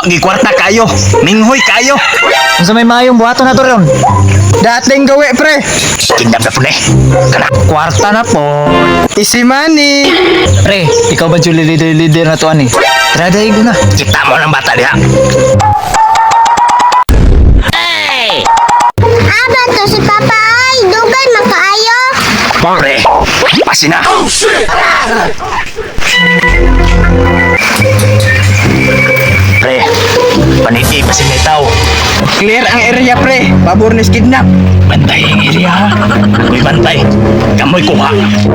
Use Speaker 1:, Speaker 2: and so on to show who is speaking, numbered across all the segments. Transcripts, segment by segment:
Speaker 1: gikwarta kayo. Minghoy kayo.
Speaker 2: Unsa may mayong buhaton na to ron?
Speaker 3: Dating gawi pre.
Speaker 1: Kidnap na po na. Kana.
Speaker 2: Kwarta na po.
Speaker 3: Easy money.
Speaker 2: Pre, ikaw ba yung leader na to ani? Tara dahil ko na.
Speaker 1: Kita mo ng bata diha.
Speaker 4: Aba to si Papa ay dugay makaayo.
Speaker 1: Pre, pasina. Pre, paniti pasina tao.
Speaker 3: Clear ang area pre. Pabor ni kidnap.
Speaker 1: Bantay ang area ha. Ako'y bantay. Kamoy kuha.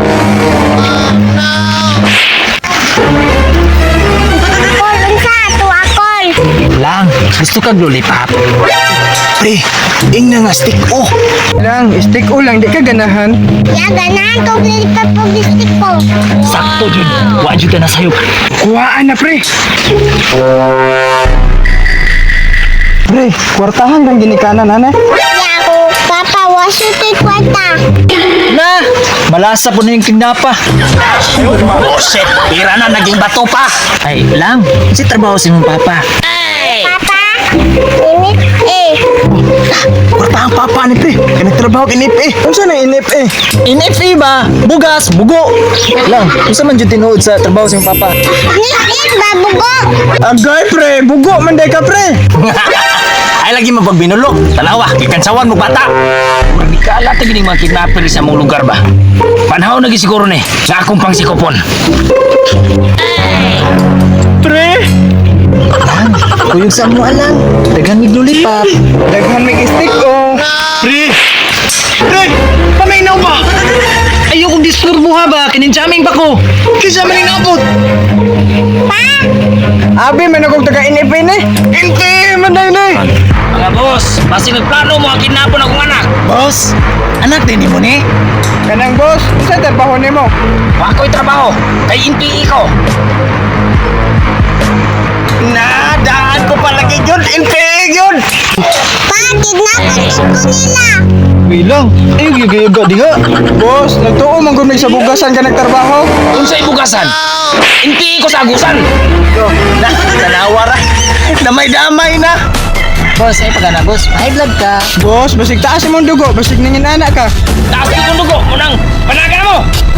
Speaker 4: Kol unsa ato akol.
Speaker 2: Lang, gusto kag lollipop.
Speaker 1: Pre, ing na nga stick oh.
Speaker 3: Lang, stick ulang di ka ganahan.
Speaker 4: Ya ganahan ko lilipat po gistik ko.
Speaker 1: Sakto jud. Wa jud na sayo.
Speaker 3: Kuhaan na pre. Pre, kwartahan kang ginikanan ana.
Speaker 4: Ya ko Papa waso to'y kwarta.
Speaker 2: Na, malasa po na yung kidnapa.
Speaker 1: Oh shit, pira na naging bato pa.
Speaker 2: Ay, lang, si trabaho si mong papa.
Speaker 4: Papa, init eh.
Speaker 1: Kwarta ang papa ni pre. Kanagtrabaho kinip eh.
Speaker 3: Unsa nang inip eh?
Speaker 2: NFE ba? Bugas, bugo. Lang, unsa man jud tinuod sa trabaho si mong papa?
Speaker 4: Nit babugo.
Speaker 3: Agay pre, bugo man day ka pre.
Speaker 1: Ay lagi mapagbinulog. Tanawa, kikansawan mo bata. Magkala ta gining mga kidnapper sa mong lugar ba? Panahon lagi siguro ni. Sa akong pangsikopon.
Speaker 3: Pre,
Speaker 2: Lang, kuyog sa mo alang. Daghan mig lollipop.
Speaker 3: daghan mig stick oh.
Speaker 1: Pre! Pre! Paminaw ba? Ayokong disturbuha ba? Kininjaming ba ko? Kisa man inabot.
Speaker 3: Abi man akong taga inip ni. Inte man day ni.
Speaker 1: Mga boss, basi nagplano mo ang kidnapon akong anak.
Speaker 2: Boss, anak din mo ni.
Speaker 3: Kanang boss, unsa trabaho nimo?
Speaker 1: Wa ko'y trabaho. Kay NPE ko. Nadaan ko palagi yun. NPE yun.
Speaker 4: Pa, kidnapan ko nila.
Speaker 2: Bilang, ay gigayag diha.
Speaker 3: Boss, nagtuo man gud sa bugasan ka nagtrabaho.
Speaker 1: Unsay bugasan? NPE ko sa agusan. Na, nanawara. Damay-damay na.
Speaker 2: Boss, ay pagana boss. High blood ka.
Speaker 3: Boss, basig taas imong dugo, basig ningin anak ka.
Speaker 1: Taas di kong dugo. Munang, panaga mo.